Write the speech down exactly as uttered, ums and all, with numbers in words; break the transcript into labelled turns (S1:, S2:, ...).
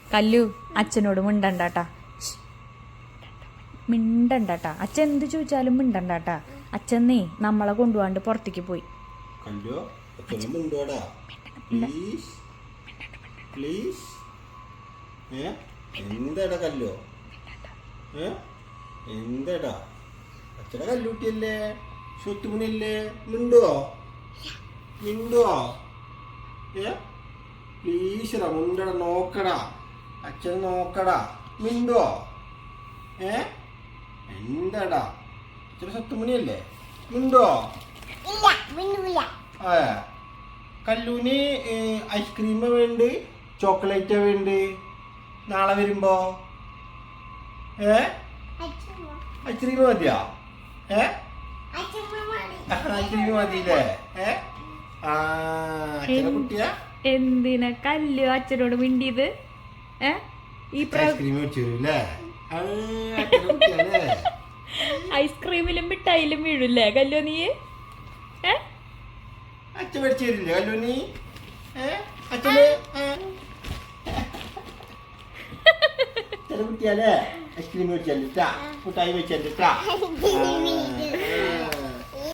S1: കല്ലു അച്ഛനോട് മിണ്ടണ്ടാട്ടാ, മിണ്ടണ്ടാട്ടാ. അച്ഛൻ എന്ത് ചോദിച്ചാലും മിണ്ടണ്ടാട്ടാ. അച്ഛന്നേ നമ്മളെ കൊണ്ടുപോകാണ്ട് പുറത്തേക്ക് പോയി.
S2: എന്താടാ കല്ലോ, എന്താടാ അച്ഛടെ കല്ലൂട്ടിയല്ലേ, സ്വത്തുമണിയല്ലേ, മിണ്ടുവോ മിണ്ടുവോ ഏ പ്ലീസ് മുണ്ടട, നോക്കടാ അച്ഛൻ നോക്കടാ, മിണ്ടുവോ ഏ എന്താടാ അച്ഛടെ സ്വത്തുമണിയല്ലേ, മിണ്ടുവോ? ആ കല്ലൂന് ഐസ്ക്രീം വേണ്ട, ചോക്ലേറ്റ് വേണ്ട നാളെ വരുമ്പോ? ഏ ഐസ്ക്രീം മതിയാ? ഏ ഐസ്ക്രീം മതിയില്ലേ? ഏ ആ അച്ഛനെ കുട്ടിയാ
S1: എന്തിനാ കല്ലു അച്ഛനോട് മിണ്ടിയത്? ഏ ഈ
S2: ഐസ്ക്രീം വെച്ചില്ലേ?
S1: ഐസ്ക്രീമിലും മിഠായിലും വീഴില്ലേ കല്ലു നീ? ഏ
S2: അച്ഛൻ മേടിച്ചു തരില്ലേ കല്ലു നീ? ഏ അച്ഛന് കുട്ടിയല്ലേ ഐസ്ക്രീം വെച്ചാൽ മുട്ടായി വെച്ചാൽ